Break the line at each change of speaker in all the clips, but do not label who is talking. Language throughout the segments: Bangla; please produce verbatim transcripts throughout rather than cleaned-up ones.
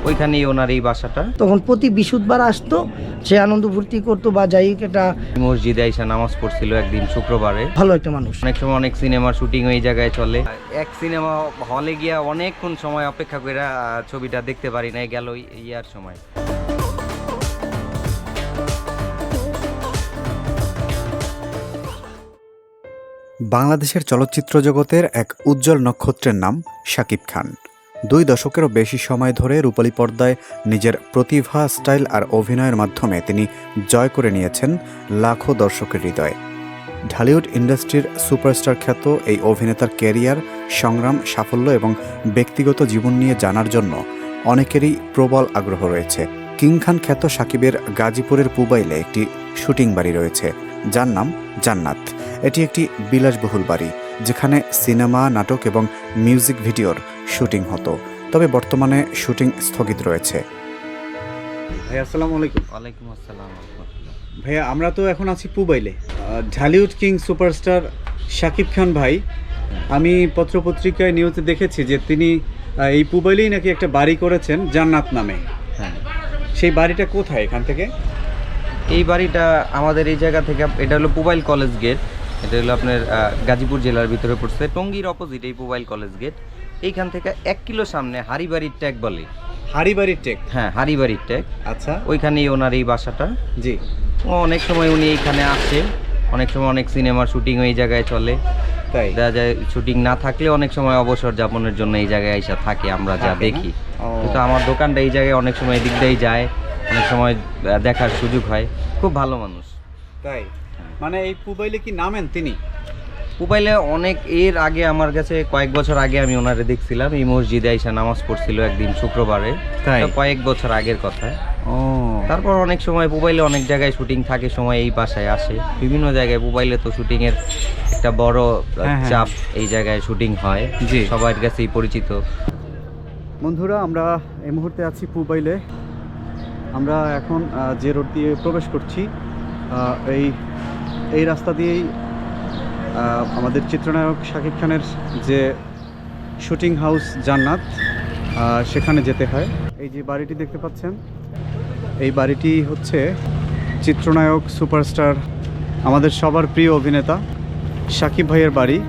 ওইখানেই ওনার এই বাসাটা।
তখন প্রতি বৃহস্পতিবার আসতো, সে আনন্দ ফুর্তি করতো বা যাই এটা
মসজিদে আইসা নামাজ পড়ছিল একদিন শুক্রবারে।
ভালো একটা মানুষ।
অনেক সময় অনেক সিনেমার শুটিং ওই জায়গায় চলে। এক সিনেমা হলে গিয়া অনেকক্ষণ সময় অপেক্ষা করে ছবিটা দেখতে পারি না, গেল ইয়ার সময়।
বাংলাদেশের চলচ্চিত্র জগতের এক উজ্জ্বল নক্ষত্রের নাম শাকিব খান। দুই দশকেরও বেশি সময় ধরে রূপালী পর্দায় নিজের প্রতিভা, স্টাইল আর অভিনয়ের মাধ্যমে তিনি জয় করে নিয়েছেন লাখো দর্শকের হৃদয়। ঢালিউড ইন্ডাস্ট্রির সুপারস্টার খ্যাত এই অভিনেতার ক্যারিয়ার, সংগ্রাম, সাফল্য এবং ব্যক্তিগত জীবন নিয়ে জানার জন্য অনেকেরই প্রবল আগ্রহ রয়েছে। কিং খান খ্যাত শাকিবের গাজীপুরের পুবাইলে একটি শুটিং বাড়ি রয়েছে, যার নাম জান্নাত। এটি একটি বিলাসবহুল বাড়ি, যেখানে সিনেমা, নাটক এবং মিউজিক ভিডিওর শুটিং হতো। তবে বর্তমানে শুটিং স্থগিত রয়েছে। ভাই আসসালামু আলাইকুম।
ওয়ালাইকুম আসসালাম।
ভাইয়া, আমরা তো এখন আছি পুবাইলে। ঢালিউড কিং সুপারস্টার শাকিব খান ভাই, আমি পত্রপত্রিকায় নিউজে দেখেছি যে তিনি এই পুবাইলেই নাকি একটা বাড়ি করেছেন জান্নাত নামে।
হ্যাঁ,
সেই বাড়িটা কোথায় এখান থেকে?
এই বাড়িটা আমাদের এই জায়গা থেকে, এটা হলো পুবাইল কলেজ গেট। এটা হলো আপনার গাজীপুর জেলার ভিতরে পড়ছে, টঙ্গীর অপোজিট এই পুবাইল কলেজ গেট। এইখান থেকে এক কিলো সামনে হাড়িবাড়ির ট্যাগ বলে।
হাড়িবাড়ির টেক?
হ্যাঁ, হাড়িবাড়ির ট্যাগ।
আচ্ছা,
ওইখানেই ওনার এই বাসাটা।
জি।
ও অনেক সময় উনি এইখানে আসে, অনেক সময় অনেক সিনেমার শুটিং ওই জায়গায় চলে।
তাই
দেখা যায় শুটিং না থাকলে অনেক সময় অবসর যাপনের জন্য এই জায়গায় এসে থাকে, আমরা যা
থাকে না?
দেখি।
ও।
কিন্তু আমার দোকানটা এই জায়গায় অনেক সময় এদিক দিয়েই যায়, অনেক সময় দেখার সুযোগ হয়। খুব ভালো মানুষ।
তাই মানে এই পুবাইলে কি নামেন তিনি?
মোবাইলে অনেক এর আগে আমার কাছে কয়েক বছর আগে আমি ওনারে দেখছিলাম, এই মসজিদে আইসা নামাজ পড়ছিল একদিন শুক্রবারে।
তাই?
তো কয়েক বছর আগের কথা।
ও,
তারপর অনেক সময় মোবাইলে অনেক জায়গায় শুটিং থাকে, সময় এই বাসায় আসে বিভিন্ন জায়গায়। মোবাইলে তো শুটিং এর একটা বড়
হ্যাঁ, হ্যাঁ।
চাপ, এই জায়গায় শুটিং হয়,
জি।
সবার কাছেই পরিচিত।
বন্ধুরা, আমরা এই মুহূর্তে আছি পুবাইলে। আমরা এখন আহ, যে রোড দিয়ে প্রবেশ করছি, আহ, এই এই রাস্তা দিয়েই আহ, আমাদের চিত্রনায়ক শাকিব খানের যে শুটিং হাউস জান্নাত, আহ, সেখানে যেতে হয়। এই যে বাড়িটি দেখতে পাচ্ছেন, এই বাড়িটি হচ্ছে চিত্রনায়ক সুপারস্টার, আমাদের সবার প্রিয় অভিনেতা শাকিব ভাইয়ের বাড়ি।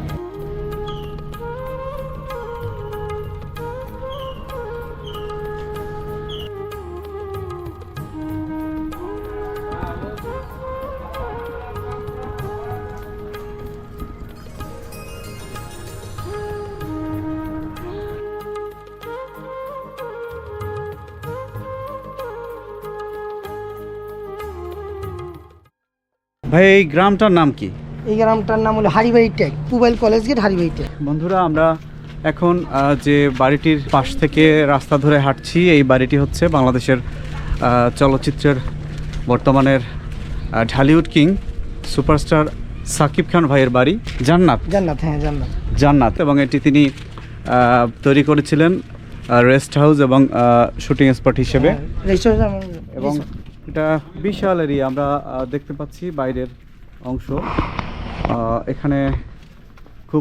ভাই, এই গ্রামটার নাম কি?
এই গ্রামটার নাম হলো হাড়িবাড়ি ট্যাগ, পুবাইল কলেজ গেট, হাড়িবাড়ি ট্যাগ।
বন্ধুরা, আমরা এখন আহ, যে বাড়িটির পাশ থেকে রাস্তা ধরে হাঁটছি, এই বাড়িটি হচ্ছে বাংলাদেশের আহ, চলচ্চিত্রের বর্তমানের আহ, ঢালিউড কিং সুপারস্টার শাকিব খান ভাইয়ের বাড়ি জান্নাত।
জান্নাত, হ্যাঁ জান্নাত।
জান্নাত এবং এটি তিনি আহ, তৈরি করেছিলেন রেস্ট হাউস এবং শুটিং স্পট হিসেবে।
হ্যাঁ, রেস্টুরেন্ট
এবং এটা বিশাল এরিয়া, আমরা আহ, দেখতে পাচ্ছি বাইরের অংশ। আহ, এখানে খুব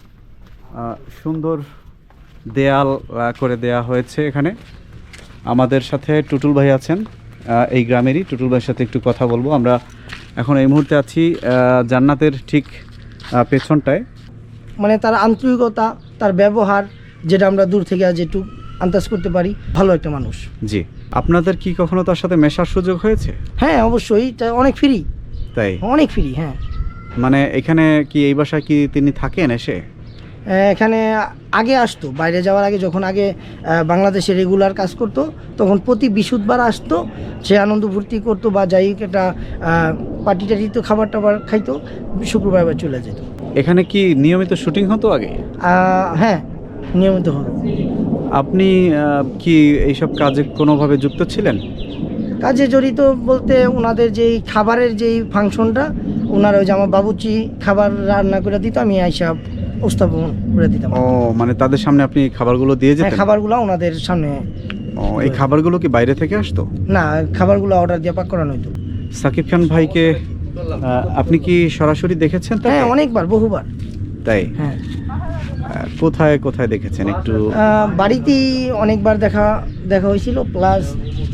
আহ, সুন্দর দেয়াল আহ, করে দেয়া হয়েছে। এখানে আমাদের সাথে টুটুল ভাই আছেন, আহ, এই গ্রামেরই। টুটুল ভাইয়ের সাথে একটু কথা বলবো। আমরা এখন এই মুহূর্তে আছি আহ, জান্নাতের ঠিক আহ, পেছনটায়।
মানে তার আন্তরিকতা, তার ব্যবহার, যেটা আমরা দূর থেকে আজ একটু আন্দাজ করতে পারি, ভালো একটা মানুষ।
জি। আপনাদের কি কখনো তার সাথে মেশার সুযোগ হয়েছে?
হ্যাঁ অবশ্যই, তা অনেক ফ্রি,
তাই?
অনেক ফ্রি। হ্যাঁ,
মানে এখানে কি, এই বাসায় কি তিনি থাকেন এসে?
এখানে আগে আসতো, বাইরে যাওয়ার আগে, যখন আগে আহ, বাংলাদেশে রেগুলার কাজ করতো, তখন প্রতি বৃহস্পতিবার আসতো, সে আনন্দ ফুর্তি করতো বা যাই একটা পার্টি টাটি তো খাবার টাবার খাইতো, শুক্রবার আবার চলে যেত।
এখানে কি নিয়মিত শুটিং হতো আগে?
আহ, হ্যাঁ নিয়মিত হতো।
আপনি আহ, কি এইসব কাজে কোনোভাবে যুক্ত ছিলেন?
কাজে জড়িত বলতে ওনাদের যেই খাবারের যেই ফাংশনটা, ওনার ওই যে আমার বাবুচি খাবার রান্না করে দিত, আমি আইসা উপস্থাপন করে দিতাম।
ও, মানে তাদের সামনে আপনি খাবারগুলো দিয়ে
হ্যাঁ,
যেতেন?
খাবারগুলো ওনাদের সামনে।
ও, এই খাবারগুলো কি বাইরে থেকে আসতো?
না, খাবারগুলো অর্ডার দিয়ে পাক করানো হতো।
শাকিব খান ভাইকে আহ, আপনি কি সরাসরি দেখেছেন তাকে?
হ্যাঁ, অনেকবার, বহুবার।
তাই?
হ্যাঁ।
কোথায় কোথায় দেখেছেন একটু?
আহ, বাড়িতেই অনেকবার দেখা দেখা হয়েছিল, প্লাস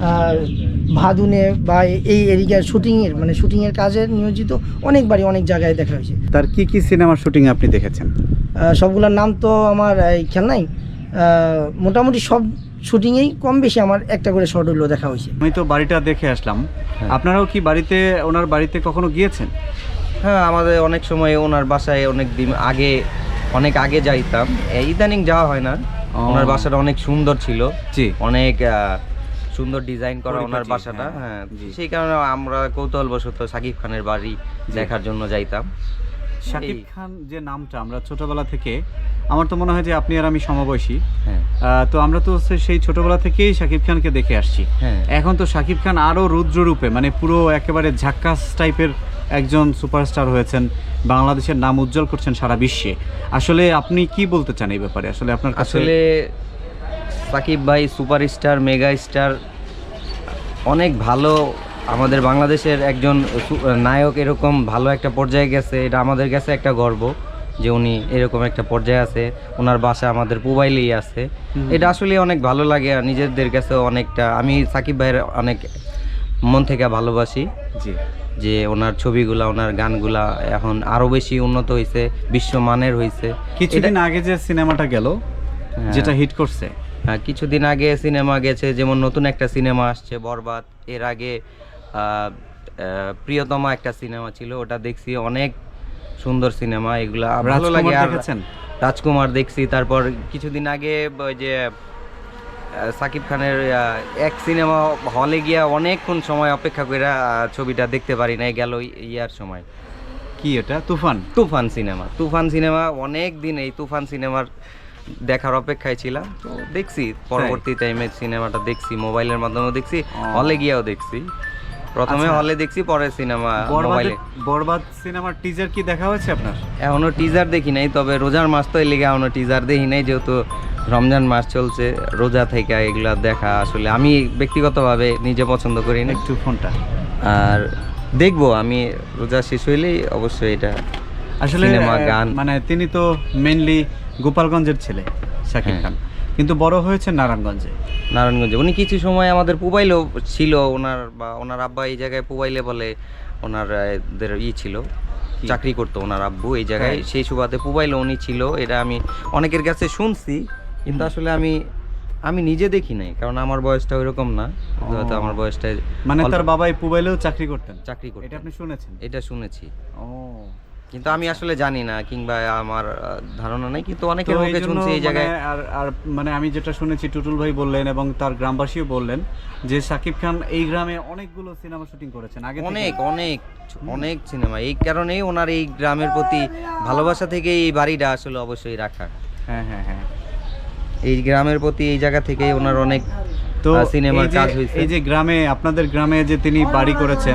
ভাদুনে বা এই এরিয়ার শুটিংয়ের মানে শুটিংয়ের কাজে নিয়োজিত অনেকবারই অনেক জায়গায় দেখা হয়েছে।
তার কি কি সিনেমার শুটিং আপনি দেখেছেন?
আহ, সবগুলোর নাম তো আমার এই খেয়াল নাই, আহ, মোটামুটি সব শুটিংয়েই কম বেশি আমার একটা করে শর্ট হলেও দেখা হয়েছে।
আমি তো বাড়িটা দেখে আসলাম, আপনারাও কি বাড়িতে ওনার বাড়িতে কখনো গিয়েছেন?
হ্যাঁ, আমাদের অনেক সময় ওনার বাসায় অনেক দিন আগে অনেক আগে যাইতাম, এই ইদানিং যাওয়া হয় না।
ও।
ওনার বাসাটা অনেক সুন্দর ছিল,
জি।
অনেক আহ, সুন্দর ডিজাইন করা ওনার
পরিপাটি,
বাসাটা।
হ্যাঁ,
হ্যাঁ,
জি।
সেই কারণে আমরা কৌতূহলবশত শাকিব খানের বাড়ি দেখার জন্য যাইতাম।
শাকিব
এই-
খান যে নামটা আমরা ছোটবেলা থেকে, আমার তো মনে হয় যে আপনি আর আমি সমবয়সী,
হ্যাঁ
আহ, তো আমরা তো হচ্ছে সেই ছোটবেলা থেকেই শাকিব খানকে দেখে আসছি।
হ্যাঁ
এখন তো শাকিব খান আরও রুদ্ররূপে, মানে পুরো একেবারে ঝাক্কাস টাইপের একজন সুপারস্টার হয়েছেন, বাংলাদেশের নাম উজ্জ্বল করছেন সারা বিশ্বে। আসলে আপনি কি বলতে চান এই ব্যাপারে? আসলে আপনার কাছে
আসলে সাকিব ভাই সুপারস্টার, মেগা স্টার, অনেক ভালো। আমাদের বাংলাদেশের একজন সু- নায়ক এরকম ভালো একটা পর্যায়ে গেছে, এটা আমাদের কাছে একটা গর্ব যে উনি এরকম একটা পর্যায়ে আছে। ওনার বাসা আমাদের পুবাইলেই আছে।
হুম।
এটা আসলে অনেক ভালো লাগে, আর নিজেদের কাছে অনেকটা, আমি সাকিব ভাইয়ের অনেক মন থেকে ভালোবাসি
জি
যে ওনার ছবিগুলা, ওনার গানগুলা এখন আরও বেশি উন্নত হয়েছে, বিশ্বমানের হয়েছে।
কিছুদিন আগে যে সিনেমাটা গেল,
হ্যাঁ।
যেটা হিট করছে,
হ্যাঁ, কিছুদিন আগে সিনেমা গেছে, যেমন নতুন একটা সিনেমা আসছে বরবাদ। এর আগে আহ, আহ, প্রিয়তমা একটা সিনেমা ছিল, ওটা দেখছি, অনেক সুন্দর সিনেমা। এগুলা ভালো লাগে।
রাজকুমার
আর
দেখেছেন?
রাজকুমার দেখছি। তারপর কিছুদিন আগে ওই যে আহ, সাকিব খানের আহ, এক সিনেমা হলে গিয়া অনেকক্ষণ সময় অপেক্ষা করে আহ, ছবিটা দেখতে পারি নাই, গেল ইয়ার সময়।
কি এটা? তুফান?
তুফান সিনেমা, তুফান সিনেমা অনেক দিন এই তুফান সিনেমার দেখার অপেক্ষায় ছিলাম, তো দেখছি পরবর্তী টাইমে সিনেমাটা দেখছি, মোবাইলের মাধ্যমেও দেখছি,
ও।
হলে গিয়েও দেখছি। প্রথমে
আচ্ছা।
হলে দেখছি, পরে সিনেমা
বরবাদ
মোবাইলে।
বরবাদ সিনেমার টিজার কি দেখা হয়েছে আপনার?
এখনো টিজার দেখি নাই, তবে রোজার মাস তো এই লেগে এখনো টিজার দেখি নাই, যেহেতু রমজান মাস চলছে, রোজা থেকে এগুলা দেখা আসলে আমি ব্যক্তিগতভাবে নিজে পছন্দ করি না।
একটু ফোনটা
আর দেখবো আমি, রোজা শেষ হইলেই অবশ্যই এটা
আসলে
সিনেমা,
আহ,
গান।
মানে তিনি তো মেইনলি গোপালগঞ্জের ছেলে শাকিব
হ্যাঁ।
খান, কিন্তু বড় হয়েছে নারায়ণগঞ্জে।
নারায়ণগঞ্জে উনি কিছু সময় আমাদের পুবাইলেও ছিল, ওনার বা ওনার আব্বা এই জায়গায় পুবাইলে বলে ওনার আহ, দের ই ছিল,
কি?
চাকরি করতো ওনার আব্বু এই জায়গায়,
হ্যাঁ।
সেই সুবাদে পুবাইলে উনি ছিল। এটা আমি অনেকের কাছে শুনছি, কিন্তু আসলে আমি আমি নিজে দেখি নাই, কারণ আমার বয়সটা ওইরকম না। হয়তো আমার বয়সটা
মানে
অল্প-
তার বাবাই পুবাইলেও চাকরি করতেন?
চাকরি করতো,
এটা আপনি শুনেছেন?
এটা শুনেছি,
ও,
কিন্তু আমি আসলে জানি না, কিংবা আমার আহ, ধারণা নাই, কিন্তু
তো
অনেকের
এই
মুখে
জন্য
শুনছি এই জায়গায়।
মানে আর আর মানে আমি যেটা শুনেছি, টুটুল ভাই বললেন এবং তার গ্রামবাসীও বললেন যে শাকিব খান এই গ্রামে অনেকগুলো সিনেমা শুটিং করেছেন আগে থেকে।
অনেক অনেক অনেক সিনেমা, এই কারণেই ওনার এই গ্রামের প্রতি ভালোবাসা থেকে এই বাড়িটা আসলে অবশ্যই রাখা।
হ্যাঁ হ্যাঁ হ্যাঁ।
এই গ্রামের প্রতি এই জায়গা থেকেই ওনার অনেক
তো
আহ, সিনেমার
এই যে-
কাজ হয়েছে।
এই যে গ্রামে, আপনাদের গ্রামে যে তিনি বাড়ি করেছেন,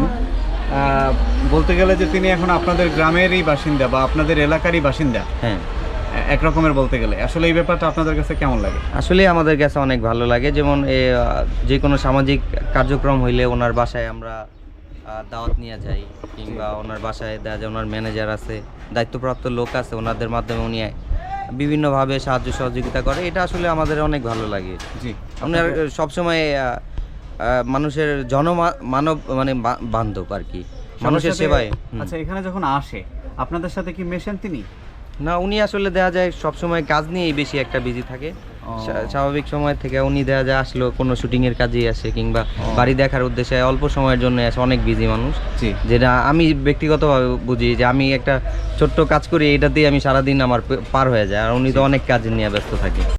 আহ, বলতে গেলে যে তিনি এখন আপনাদের গ্রামেরই বাসিন্দা বা আপনাদের এলাকারই বাসিন্দা,
হ্যাঁ,
এক রকমের বলতে গেলে। আসলে এই ব্যাপারটা আপনাদের কাছে কেমন লাগে?
আসলে আমাদের কাছে অনেক ভালো লাগে। যেমন এ, আহ, যে কোনো সামাজিক কার্যক্রম হইলে ওনার বাসায় আমরা আহ, দাওয়াত নিয়ে যাই, কিংবা ওনার বাসায় দেখা যায় ওনার ম্যানেজার আছে, দায়িত্বপ্রাপ্ত লোক আছে, ওনাদের মাধ্যমে উনি বিভিন্নভাবে সাহায্য সহযোগিতা করে। এটা আসলে আমাদের অনেক ভালো লাগে।
জি,
আপনার সবসময় আহ, আহ, মানুষের জন মানব মানে বা- বান্ধব আর কি, মানুষের
সাথে-
সেবায়। হুম।
আচ্ছা, এখানে যখন আসে আপনাদের সাথে কি মেশেন তিনি?
না, উনি আসলে দেখা যায় সবসময় কাজ নিয়েই বেশি একটা বিজি থাকে।
ও।
স্বা- স্বাভাবিক সময় থেকে উনি দেখা যায় আসলো কোনো শুটিংয়ের কাজেই আসে, কিংবা
ও।
বাড়ি দেখার উদ্দেশ্যে অল্প সময়ের জন্য আসে, অনেক বিজি মানুষ।
জি।
যেটা আমি ব্যক্তিগতভাবে বুঝি যে আমি একটা ছোট্ট কাজ করি, এটাতেই আমি সারাদিন আমার পে- পার হয়ে যায়, আর উনি তো অনেক কাজ নিয়ে ব্যস্ত থাকে।